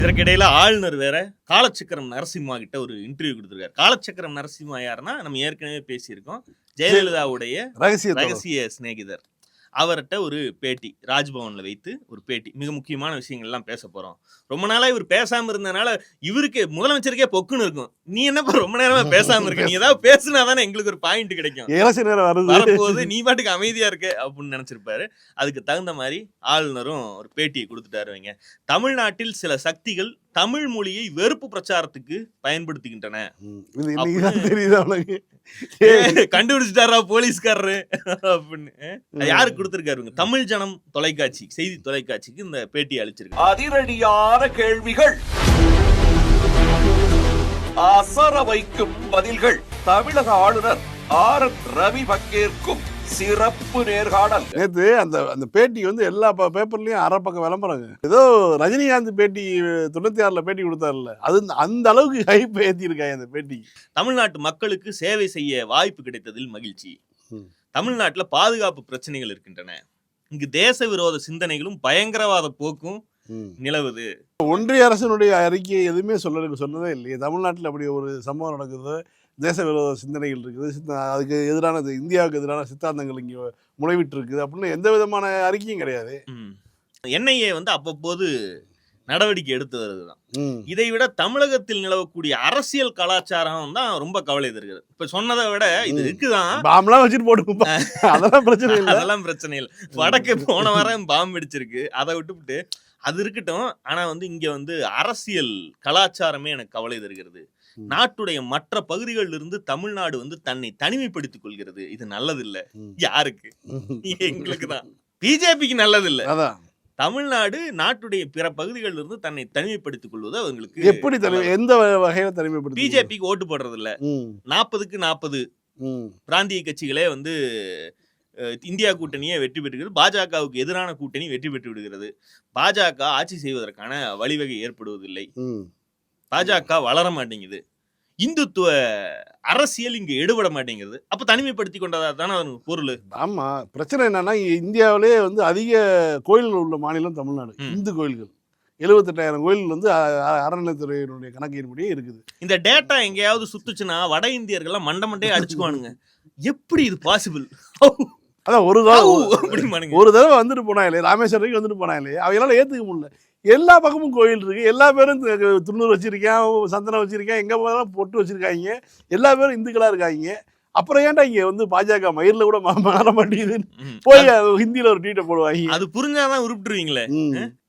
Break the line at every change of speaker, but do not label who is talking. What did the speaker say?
இதற்கிடையில ஆளுநர் வேற காலச்சக்கரம் நரசிம்மா கிட்ட ஒரு இன்டர்வியூ கொடுத்திருக்காரு. காலச்சக்கரம் நரசிம்மா யாருன்னா நம்ம ஏற்கனவே பேசியிருக்கோம். ஜெயலலிதாவுடைய ரகசிய சிநேகிதர். அவர்கிட்ட ஒரு பேட்டி, ராஜ்பவன்ல வைத்து ஒரு பேட்டி. மிக முக்கியமான விஷயங்கள்லாம் பேச போறோம். ரொம்ப நாளா இவர் பேசாம இருந்தனால இவருக்கு முதலமைச்சருக்கே பொக்குன்னு இருக்கும். நீ என்னப்பா ரொம்ப நேரமா பேசாம இருக்க? நீ ஏதாவது பேசினா தானே எங்களுக்கு ஒரு பாயிண்ட் கிடைக்கும். வரப்போது நீ பாட்டுக்கு அமைதியா இருக்க அப்படின்னு நினைச்சிருப்பாரு. அதுக்கு தகுந்த மாதிரி ஆளுநரும் ஒரு பேட்டியை கொடுத்துட்டாரு. வைங்க, தமிழ்நாட்டில் சில சக்திகள் தமிழ் மொழியை வெறுப்பு பிரச்சாரத்துக்கு பயன்படுத்துகின்றன. கண்டுபிடிச்சிட்டாரா போலீஸ்காரரு அப்படின்னு யாருக்கு கொடுத்திருக்காருங்க? தமிழ் ஜனம் தொலைக்காட்சி, செய்தி தொலைக்காட்சிக்கு இந்த பேட்டி அளிச்சிருக்கு.
அதிரடியான கேள்விகள், அசர வைக்கும் பதில்கள். தமிழக ஆளுநர் ரவி பங்கேற்கும் சிறப்பு நேர்காணல்.
நேற்று அந்த பேட்டி வந்து எல்லா பேப்பர்லயும் அரை பக்கம் விளம்பரங்க. ஏதோ ரஜினிகாந்த் பேட்டி 96ல பேட்டி கொடுத்தாருல்ல, அது அந்த அளவுக்கு ஹைப் ஏத்தி இருக்காங்க அந்த பேட்டி.
தமிழ்நாட்டு மக்களுக்கு சேவை செய்ய வாய்ப்பு கிடைத்ததில் மகிழ்ச்சி. தமிழ்நாட்டுல பாதுகாப்பு பிரச்சனைகள் இருக்கின்றன. இங்கு தேச விரோத சிந்தனைகளும் பயங்கரவாத போக்கும் நிலவுது.
ஒன்றிய அரசினுடைய அறிக்கையை எதுவுமே சொன்னதே இல்லையே. தமிழ்நாட்டில் அப்படி ஒரு சம்பவம் நடக்குது, தேச விரோத சிந்தனைகள் இருக்குது, அதுக்கு எதிரான இந்தியாவுக்கு எதிரான சித்தாந்தங்கள் இங்கே முளைவிட்டு இருக்குது அப்படின்னு எந்த விதமான அறிக்கையும் கிடையாது.
என்ஐஏ வந்து அவ்வப்போது நடவடிக்கை எடுத்து வருதுதான். இதை விட தமிழகத்தில் நிலவக்கூடிய அரசியல் கலாச்சாரம் தான் ரொம்ப கவலை தருகிறது. இப்ப சொன்னதை விட இது இருக்குதான்,
பாம்லாம் வச்சுட்டு போட்டு அதெல்லாம் பிரச்சனை இல்லை,
அதெல்லாம் பிரச்சனை இல்லை. வடக்கு போன வாரம் பாம்பு வெடிச்சிருக்கு, அதை விட்டுவிட்டு அது இருக்கட்டும். ஆனா வந்து இங்க வந்து அரசியல் கலாச்சாரமே எனக்கு கவலை தருகிறது. நாட்டுடைய மற்ற பகுதிகளில் இருந்து தமிழ்நாடு வந்து தன்னை தனிமைப்படுத்திக் கொள்கிறது. இது நல்லது இல்ல. யாருக்கு? எங்களுக்கு தான், பிஜேபிக்கு நல்லது இல்ல. தமிழ்நாடு நாட்டுடைய பிற பகுதிகளில் இருந்து தன்னை தனிமைப்படுத்திக் கொள்வது அவங்களுக்கு
எப்படி எந்த வகையில தனிமைப்படுத்தி?
பிஜேபிக்கு ஓட்டு போடுறது இல்ல. 40க்கு 40 பிராந்திய கட்சிகளே வந்து இந்தியா கூட்டணியை வெற்றி பெற்றுகிறது. பாஜகவுக்கு எதிரான கூட்டணி வெற்றி பெற்று விடுகிறது. பாஜக ஆட்சி செய்வதற்கான வழிவகை ஏற்படுவதில்லை. பாஜக வளர மாட்டேங்குது. இந்துத்துவ அரசியல் இங்க எடுபட மாட்டேங்கிறது. அப்ப தனிமைப்படுத்தி கொண்டதா தானே பொருள்.
ஆமா, பிரச்சனை என்னன்னா இந்தியாவிலே வந்து அதிக கோயில்கள் உள்ள மாநிலம் தமிழ்நாடு. இந்து கோயில்கள் 78,000 கோயில் வந்து அறநிலையத்துறையினுடைய கணக்கின்படியே இருக்குது.
இந்த டேட்டா எங்கேயாவது சுத்துச்சுன்னா வட இந்தியர்கள்லாம் மண்டே அடிச்சுக்குவானுங்க. எப்படி இது பாசிபிள்?
அதான் ஒரு தடவை வந்துட்டு போனா இல்லையா, ராமேஸ்வரம் வந்துட்டு போனா இல்லையா, அவங்களால ஏத்துக்க முடியல. எல்லா பக்கமும் கோயில் இருக்கு, எல்லா பேரும் துண்ணூறு வச்சிருக்கேன், சந்தனம் வச்சிருக்கேன், எங்க போனாலும் பொட்டு வச்சிருக்காங்க, எல்லா பேரும் இந்துக்களா இருக்காங்க. அப்புறம் ஏன்டா இங்க வந்து பாஜக மயிரில் கூட மாற மாட்டேங்குதுன்னு போய் ஹிந்தியில ஒரு ட்வீட்டை போடுவாங்க.
அது புரிஞ்சாதான் உருப்பிட்டுருவீங்களே.